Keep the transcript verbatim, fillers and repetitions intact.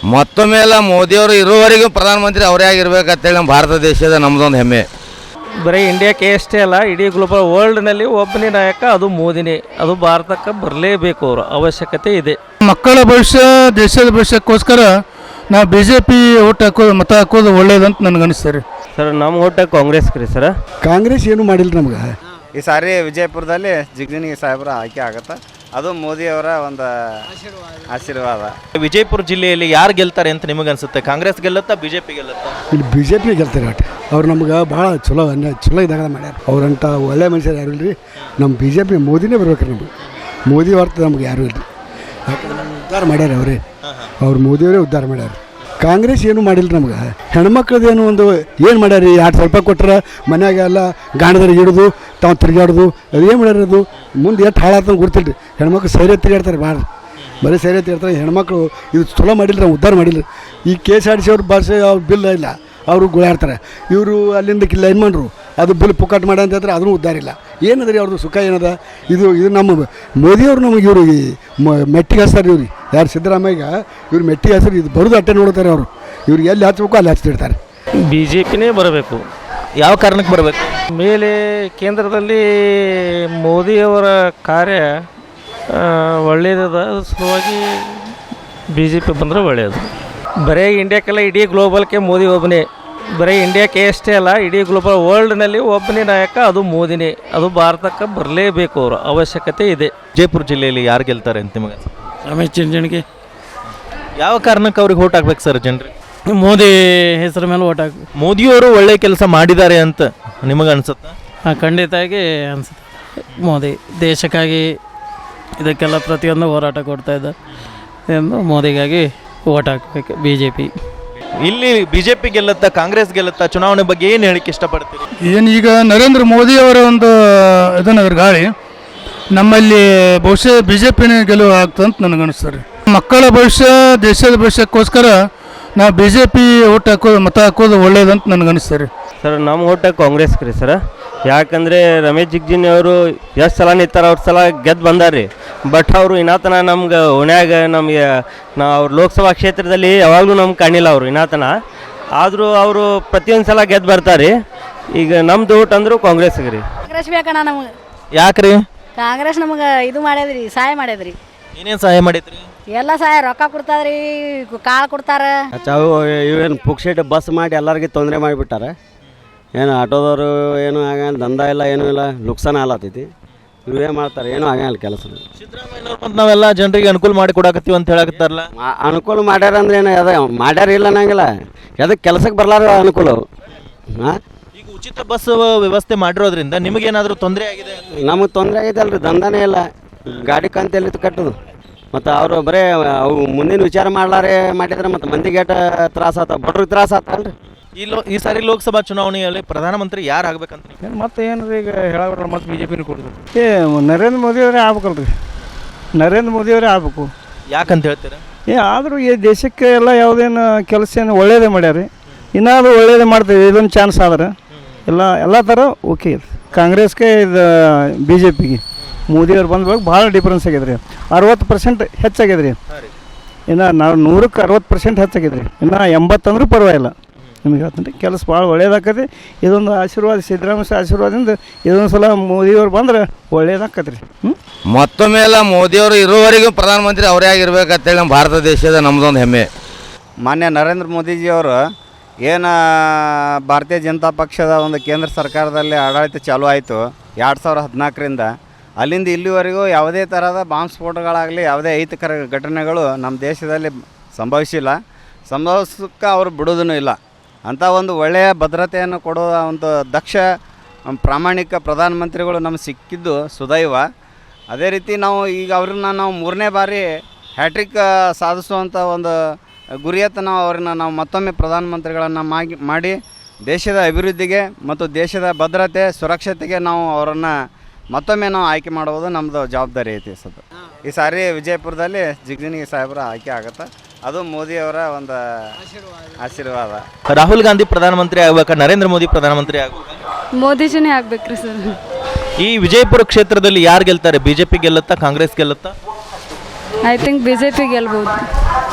ಮತ್ತೊಮ್ಮೆ ಎಲ್ಲ ಮೋದಿಯವರು ಇರುವವರೆಗೂ ಪ್ರಧಾನಮಂತ್ರಿ ಅವರೇ ಆಗಿರ್ಬೇಕಂತೇಳಿ ನಮ್ಮ ಭಾರತ ದೇಶದ ನಮ್ಮದೊಂದು ಹೆಮ್ಮೆ. ಬರೀ ಇಂಡಿಯಾಕ್ಕೆ ಅಷ್ಟೇ ಅಲ್ಲ, ಇಡೀ ಗ್ಲೋಬಲ್ ವರ್ಲ್ಡ್ನಲ್ಲಿ ಒಬ್ಬನೇ ನಾಯಕ, ಅದು ಮೋದಿನೇ. ಅದು ಭಾರತಕ್ಕೆ ಬರಲೇಬೇಕು, ಅವರ ಅವಶ್ಯಕತೆ ಇದೆ. ಮಕ್ಕಳ ಭವಿಷ್ಯ, ದೇಶದ ಭವಿಷ್ಯಕ್ಕೋಸ್ಕರ ನಾವು ಬಿ ಜೆ ಪಿ ಓಟ್ ಹಾಕೋದು, ಮತ ಹಾಕೋದು ಒಳ್ಳೇದಂತ ನನಗೆ ಅನಿಸ್ತಾರೆ. ಸರ್ ನಮ್ಮ ಓಟ ಕಾಂಗ್ರೆಸ್ಗೆ ರೀ ಸರ್. ಕಾಂಗ್ರೆಸ್ ಏನು ಮಾಡಿಲ್ಲ ನಮ್ಗೆ. ಈ ಸಾರಿ ವಿಜಯಪುರದಲ್ಲಿ ಜಿಗ್ಜಿನಿಗೆ ಸಾಹೇಬರ ಆಯ್ಕೆ ಆಗುತ್ತೆ, ಅದು ಮೋದಿಯವರ ಒಂದು ಆಶೀರ್ವಾದ. ವಿಜಯಪುರ ಜಿಲ್ಲೆಯಲ್ಲಿ ಯಾರು ಗೆಲ್ತಾರೆ ಅಂತ ನಿಮಗೆ ಅನ್ಸುತ್ತೆ? ಕಾಂಗ್ರೆಸ್ ಗೆಲ್ಲುತ್ತಾ, ಬಿಜೆಪಿ ಗೆಲ್ಲುತ್ತಾ? ಇಲ್ಲಿ ಬಿ ಜೆ ಪಿ ಗೆಲ್ತಾರೆ ಒಟ್ಟು. ಅವ್ರು ನಮ್ಗೆ ಭಾಳ ಚಲೋ ಅನ್ನ ಚಲೋ ಇದ್ದಾಗ ಮಾಡ್ಯಾರ. ಅವ್ರಂಥ ಒಳ್ಳೆ ಮನುಷ್ಯರು ಯಾರು ಇಲ್ಲರಿ. ನಮ್ಮ ಬಿ ಜೆ ಪಿ ಮೋದಿನೇ ಬರ್ಬೇಕು ನಮಗೆ. ಮೋದಿ ಹೊರ್ತು ನಮ್ಗೆ ಯಾರೂ ಇಲ್ಲ. ಯಾಕಂದ್ರೆ ಉದ್ಧಾರ ಮಾಡ್ಯಾರ ಅವರೇ, ಅವ್ರು ಮೋದಿಯವರೇ ಉದ್ಧಾರ ಮಾಡ್ಯಾರ. ಕಾಂಗ್ರೆಸ್ ಏನು ಮಾಡಿಲ್ಲ ನಮ್ಗೆ. ಹೆಣ್ಮಕ್ಳದ್ದೇನು ಒಂದು ಏನು ಮಾಡ್ಯಾರ? ಎರಡು ಸಾವಿರ ರೂಪಾಯಿ ಕೊಟ್ಟರೆ ಮನ್ಯಾಗ ಎಲ್ಲ ಗಾಣದಲ್ಲಿ ಇಡೋದು, ತಾವು ತಿರುಗಾಡೋದು, ಅದು ಏನು ಮಾಡ್ಯಾರ? ಅದು ಮುಂದೆ ಎಷ್ಟು ಹಾಳಾಗ್ತಂಗೆ ಗೊತ್ತಿಲ್ಲ ರೀ. ಹೆಣ್ಮಕ್ಳು ಸೈರ್ಯ ತಿರುಗಾಡ್ತಾರೆ ಭಾಳ, ಬರೀ ಸೈರ್ಯ ತಿರುಗಾಡ್ತಾರೆ. ಹೆಣ್ಮಕ್ಳು ಇದು ಚಲೋ ಮಾಡಿಲ್ಲ, ನಾವು ಉದ್ಧಾರ ಮಾಡಿಲ್ಲ. ಈ K S R T C ಅವ್ರ ಭಾಷೆ ಅವ್ರ ಬಿಲ್ ಇಲ್ಲ, ಅವರು ಗುಳಾಡ್ತಾರೆ. ಇವರು ಅಲ್ಲಿಂದ ಲೈನ್ ಮಾಡ್ರು, ಅದು ಬಿಲ್ ಪುಕಾಟ್ ಮಾಡ ಅಂತ ಹೇಳ್ತಾರೆ, ಅದನ್ನು ಉದ್ಧಾರ ಇಲ್ಲ. ಏನದ ರೀ ಅವ್ರದ್ದು ಸುಖ ಏನದ? ಇದು ಇದು ನಮ್ಮ ಮೋದಿಯವರು ನಮಗೆ ಇವರು ಈ ಮೆಟ್ಟಿಗೆ ಹಚ್ತಾರೆ. ಇವ್ರಿಗೆ ಯಾರು ಸಿದ್ದರಾಮಯ್ಯ ಇವ್ರು ಮೆಟ್ಟಿಗೆ ಹಚ್ತಾರೆ. ಇದು ಬರೋದು ಅಟ್ಟೆ ನೋಡ್ತಾರೆ ಅವರು. ಇವ್ರಿಗೆ ಎಲ್ಲಿ ಹಚ್ಬೇಕು ಅಲ್ಲಿ ಹಚ್ತಿರ್ತಾರೆ. ಬಿ ಜೆ ಪಿನೇ ಬರಬೇಕು. ಯಾವ ಕಾರಣಕ್ಕೆ ಬರಬೇಕು? ಮೇಲೆ ಕೇಂದ್ರದಲ್ಲಿ ಮೋದಿಯವರ ಕಾರ್ಯ ಒಳ್ಳೆಯದ ಸಲುವಾಗಿ ಬಿ ಜೆ ಪಿ ಬಂದರೆ ಒಳ್ಳೆಯದು. ಬರೀ ಇಂಡಿಯಾಕ್ಕೆಲ್ಲ, ಇಡೀ ಗ್ಲೋಬಲ್ಗೆ ಮೋದಿ ಒಬ್ಬನೇ. ಬರೀ ಇಂಡಿಯಾಕ್ಕೆ ಅಷ್ಟೇ ಅಲ್ಲ, ಇಡೀ ಗ್ಲೋಬಲ್ ವರ್ಲ್ಡ್ನಲ್ಲಿ ಒಬ್ಬನೇ ನಾಯಕ, ಅದು ಮೋದಿನೇ. ಅದು ಭಾರತಕ್ಕೆ ಬರಲೇಬೇಕು, ಅವರ ಅವಶ್ಯಕತೆ ಇದೆ. ವಿಜಯಪುರ ಜಿಲ್ಲೆಯಲ್ಲಿ ಯಾರು ಗೆಲ್ತಾರೆ ಅಂತ ನಿಮಗೆ? ರಮೇಶ್ ಜಿಗಜಿಣಗಿ. ಯಾವ ಕಾರಣಕ್ಕೆ ಅವ್ರಿಗೆ ಓಟ್ ಹಾಕ್ಬೇಕು ಸರ್ ಜನರು? ಮೋದಿ ಹೆಸರು ಮೇಲೆ ಓಟ್ ಹಾಕಿ. ಮೋದಿಯವರು ಒಳ್ಳೆ ಕೆಲಸ ಮಾಡಿದ್ದಾರೆ ಅಂತ ನಿಮಗೆ ಅನ್ಸುತ್ತಾ? ಹಾಂ, ಖಂಡಿತವಾಗಿ ಅನಿಸುತ್ತೆ. ಮೋದಿ ದೇಶಕ್ಕಾಗಿ ಇದಕ್ಕೆಲ್ಲ ಪ್ರತಿಯೊಂದು ಹೋರಾಟ ಕೊಡ್ತಾಯಿದ್ದ ಎಂದು ಮೋದಿಗಾಗಿ ಓಟ್ ಹಾಕಬೇಕು ಬಿ ಜೆ ಪಿ. ಇಲ್ಲಿ ಬಿಜೆಪಿ ಗೆಲ್ಲುತ್ತಾ, ಕಾಂಗ್ರೆಸ್ ಗೆಲ್ಲುತ್ತಾ? ಚುನಾವಣೆ ಬಗ್ಗೆ ಏನು ಹೇಳಿಕ್ಕೆ ಇಷ್ಟಪಡ್ತೀರಿ? ಏನು ಈಗ ನರೇಂದ್ರ ಮೋದಿಯವರ ಒಂದು ಇದನ್ನದ್ರ ಗಾಳಿ ನಮ್ಮಲ್ಲಿ ಬಹುಶಃ ಬಿ ಜೆ ಪಿನೇ ಗೆಲುವು ಆಗ್ತಂತ ನನಗನ್ನಿಸ್ತಾರೆ. ಮಕ್ಕಳ ಭವಿಷ್ಯ, ದೇಶದ ಭವಿಷ್ಯಕ್ಕೋಸ್ಕರ ನಾವು ಬಿ ಜೆ ಪಿ ಓಟ್ ಹಾಕೋದು, ಮತ ಹಾಕೋದು ಒಳ್ಳೇದಂತ ನನಗನ್ನಿಸ್ತಾರೆ. ಸರ್ ನಮ್ಮ ಓಟ ಕಾಂಗ್ರೆಸ್ಗೆ ರೀ ಸರ್. ಯಾಕಂದರೆ ರಮೇಶ್ ಜಿಗಜಿಣಗಿ ಅವರು ಎಷ್ಟು ಸಲ ನಿಂತಾರೆ, ಅವ್ರ ಸಲ ಗೆದ್ದು ಬಂದಾರ್ರಿ. ಬಟ್ ಅವರು ಇನ್ನಾತನ ನಮ್ಗೆ ಓಣ್ಯಾಗ ನಮಗೆ ನಾ ಅವ್ರ ಲೋಕಸಭಾ ಕ್ಷೇತ್ರದಲ್ಲಿ ಯಾವಾಗಲೂ ನಮ್ಗೆ ಕಾಣಿಲ್ಲ ಅವರು ಇನ್ನಾತನ. ಆದರೂ ಅವರು ಪ್ರತಿಯೊಂದು ಸಲ ಗೆದ್ದು ಬರ್ತಾರೆ. ಈಗ ನಮ್ದು ಓಟ್ ಅಂದರೂ ಕಾಂಗ್ರೆಸ್ಗೆ ರೀ. ಕಾಂಗ್ರೆಸ್ ಬೇಕಣ್ಣ ನಮಗೆ. ಯಾಕ್ರಿ? ಕಾಂಗ್ರೆಸ್ ನಮಗೆ ಇದು ಮಾಡ್ಯದ್ರಿ, ಸಹಾಯ ಮಾಡ್ಯದ್ರಿ. ಏನೇನು ಸಹಾಯ ಮಾಡಿದ್ರಿ? ಎಲ್ಲ ಸಹಾಯ, ರೊಕ್ಕ ಕೊಡ್ತಾದ್ರಿ, ಕಾಳು ಕೊಡ್ತಾರೆ. ಅವು ಇವೇನು ಪುಕ್ಸೆಟ್ ಬಸ್ ಮಾಡಿ ಎಲ್ಲರಿಗೆ ತೊಂದರೆ ಮಾಡಿಬಿಟ್ಟಾರೆ. ಏನು ಆಟೋದವರು ಏನು ಆಗಲ್ಲ, ದಂಧ ಇಲ್ಲ, ಏನೂ ಇಲ್ಲ, ನುಕ್ಸಾನ ಆಲತ್ತೈತಿ. ಇವೇ ಮಾಡ್ತಾರೆ, ಏನೂ ಆಗಲ್ಲ ಕೆಲಸ. ಸಿದ್ದರಾಮಯ್ಯನವ್ರು ಮತ್ತು ನಾವೆಲ್ಲ ಜನರಿಗೆ ಅನುಕೂಲ ಮಾಡಿ ಕೊಡಾಕತ್ತೀವಿ ಅಂತ ಹೇಳಕತ್ತಾರಲ್ಲ. ಅನುಕೂಲ ಮಾಡ್ಯಾರ ಅಂದ್ರೆ ಏನು ಅದ ಮಾಡ್ಯಾರ ಇಲ್ಲ ಅನ್ನಂಗಿಲ್ಲ. ಅದಕ್ಕೆ ಕೆಲಸಕ್ಕೆ ಬರಲಾರ ಅನುಕೂಲ. ಹಾಂ, ಈಗ ಉಚಿತ ಬಸ್ ವ್ಯವಸ್ಥೆ ಮಾಡಿರೋದ್ರಿಂದ ನಿಮಗೇನಾದರೂ ತೊಂದರೆ ಆಗಿದೆ? ನಮಗೆ ತೊಂದರೆ ಆಗೈತೆ ಅಲ್ರಿ, ದಂಧನೇ ಇಲ್ಲ. ಗಾಡಿ ಕಂತೆಲ್ಲಿ ಕಟ್ಟೋದು ಮತ್ತು ಅವರು ಬರೀ ಅವು ಮುಂದಿನ ವಿಚಾರ ಮಾಡ್ಲಾರೆ ಮಾಡಿದ್ರೆ ಮತ್ತು ಮಂದಿಗೆ ಏಟ ತ್ರಾಸ ಆತ, ಬಡ್ರಿಗೆ ತ್ರಾಸ ಆತಲ್ರಿ. ಈ ಲೋ ಈ ಸಾರಿ ಲೋಕಸಭಾ ಚುನಾವಣೆಯಲ್ಲಿ ಪ್ರಧಾನಮಂತ್ರಿ ಯಾರು ಆಗ್ಬೇಕಂತ? ಮತ್ತೆ ಏನು ರೀ, ಈಗ ಹೇಳೋಲ್ಲ, ಮತ್ತೆ ಬಿ ಜೆ ಪಿನ ಕೊಡೋದು. ಏ ನರೇಂದ್ರ ಮೋದಿಯವರೇ ಆಗ್ಬೇಕಲ್ರಿ. ನರೇಂದ್ರ ಮೋದಿಯವರೇ ಆಗಬೇಕು. ಯಾಕಂತ ಹೇಳ್ತೀರಾ? ಏ ಆದರೂ ಈ ದೇಶಕ್ಕೆ ಎಲ್ಲ ಯಾವುದೇನು ಕೆಲಸ ಏನು ಒಳ್ಳೇದೇ ಮಾಡ್ಯಾರ. ಇನ್ನಾದರೂ ಒಳ್ಳೇದೇ ಮಾಡ್ತೀವಿ, ಇದೊಂದು ಚಾನ್ಸ್ ಆದ್ರೆ ಎಲ್ಲ ಎಲ್ಲ ಥರ ಓಕೆ ಇದೆ. ಕಾಂಗ್ರೆಸ್ಗೆ ಇದು ಬಿ ಜೆ ಪಿಗೆ ಮೋದಿಯವ್ರು ಬಂದ್ಬೇಕು ಭಾಳ ಡಿಫ್ರೆನ್ಸ್ ಆಗ್ಯದ ರೀ. ಅರವತ್ತು ಪರ್ಸೆಂಟ್ ಹೆಚ್ಚಾಗ್ಯದ ರೀ. ಇನ್ನು ನಾವು ನೂರಕ್ಕೆ ಅರವತ್ತು ಪರ್ಸೆಂಟ್ ಹೆಚ್ಚಾಗ್ಯದ ರೀ. ಇನ್ನು ಎಂಬತ್ತಂದ್ರೂ ಪರವಾಗಿಲ್ಲ. ನಿಮಗೆ ಹೇಳ್ತೀನಿ ರೀ, ಕೆಲಸ ಭಾಳ ಒಳ್ಳೇದಾಕತಿ. ಇದೊಂದು ಆಶೀರ್ವಾದ, ಸಿದ್ದರಾಮಯ್ಯ ಆಶೀರ್ವಾದದಿಂದ ಇದೊಂದು ಸಲ ಮೋದಿಯವ್ರು ಬಂದ್ರೆ ಒಳ್ಳೇದಾಕತಿ ರೀ. ಹ್ಞೂ, ಮತ್ತೊಮ್ಮೆ ಎಲ್ಲ ಮೋದಿಯವರು ಇರುವವರೆಗೂ ಪ್ರಧಾನಮಂತ್ರಿ ಅವರೇ ಆಗಿರ್ಬೇಕಂತೇಳಿ ನಮ್ಮ ಭಾರತ ದೇಶದ ನಮ್ಮದೊಂದು ಹೆಮ್ಮೆ. ಮಾನ್ಯ ನರೇಂದ್ರ ಮೋದಿಜಿಯವರು ಏನು ಭಾರತೀಯ ಜನತಾ ಪಕ್ಷದ ಒಂದು ಕೇಂದ್ರ ಸರ್ಕಾರದಲ್ಲಿ ಆಡಳಿತ ಚಾಲೂ ಆಯಿತು ಎರಡು ಸಾವಿರದ ಹದಿನಾಲ್ಕರಿಂದ, ಅಲ್ಲಿಂದ ಇಲ್ಲಿವರೆಗೂ ಯಾವುದೇ ಥರದ ಬಾಂಬ್ ಸ್ಫೋಟಗಳಾಗಲಿ, ಯಾವುದೇ ಅಹಿತಕರ ಘಟನೆಗಳು ನಮ್ಮ ದೇಶದಲ್ಲಿ ಸಂಭವಿಸಿಲ್ಲ, ಸಂಭವಿಸೋಕ್ಕೆ ಅವರು ಬಿಡೋದೂ ಇಲ್ಲ. ಅಂಥ ಒಂದು ಒಳ್ಳೆಯ ಭದ್ರತೆಯನ್ನು ಕೊಡುವ ಒಂದು ದಕ್ಷ ಪ್ರಾಮಾಣಿಕ ಪ್ರಧಾನಮಂತ್ರಿಗಳು ನಮಗೆ ಸಿಕ್ಕಿದ್ದು ಸುದೈವ. ಅದೇ ರೀತಿ ನಾವು ಈಗ ಅವ್ರನ್ನ ನಾವು ಮೂರನೇ ಬಾರಿ ಹ್ಯಾಟ್ರಿಕ್ ಸಾಧಿಸುವಂಥ ಒಂದು ಗುರಿಯತ್ತ ನಾವು ಅವ್ರನ್ನ ನಾವು ಮತ್ತೊಮ್ಮೆ ಪ್ರಧಾನಮಂತ್ರಿಗಳನ್ನು ಮಾಗಿ ಮಾಡಿ ದೇಶದ ಅಭಿವೃದ್ಧಿಗೆ ಮತ್ತು ದೇಶದ ಭದ್ರತೆ ಸುರಕ್ಷತೆಗೆ ನಾವು ಅವರನ್ನು ಮತ್ತೊಮ್ಮೆ ನಾವು ಆಯ್ಕೆ ಮಾಡುವುದು ನಮ್ಮದು ಜವಾಬ್ದಾರಿ ಐತಿ. ಸದ್ದು ಈ ಸಾರಿ ವಿಜಯಪುರದಲ್ಲಿ ಜಿಗ್ಜಿನಿಗೆ ಸಾಹೇಬರ ಆಯ್ಕೆ ಆಗುತ್ತೆ, ಅದು ಮೋದಿಯವರ ಒಂದು ಆಶೀರ್ವಾದ. ರಾಹುಲ್ ಗಾಂಧಿ ಪ್ರಧಾನಮಂತ್ರಿ ಆಗ್ಬೇಕಾ, ನರೇಂದ್ರ ಮೋದಿ ಪ್ರಧಾನಮಂತ್ರಿ ಆಗ್ಬೇಕಾ? ಮೋದಿಜಿನೇ ಆಗ್ಬೇಕ್ರಿ ಸರ್. ಈ ವಿಜಯಪುರ ಕ್ಷೇತ್ರದಲ್ಲಿ ಯಾರು ಗೆಲ್ತಾರೆ? ಬಿಜೆಪಿ ಗೆಲ್ಲುತ್ತಾ, ಕಾಂಗ್ರೆಸ್ ಗೆಲ್ಲುತ್ತಾ? I think B J P ಗೆಲ್ಬೋದು.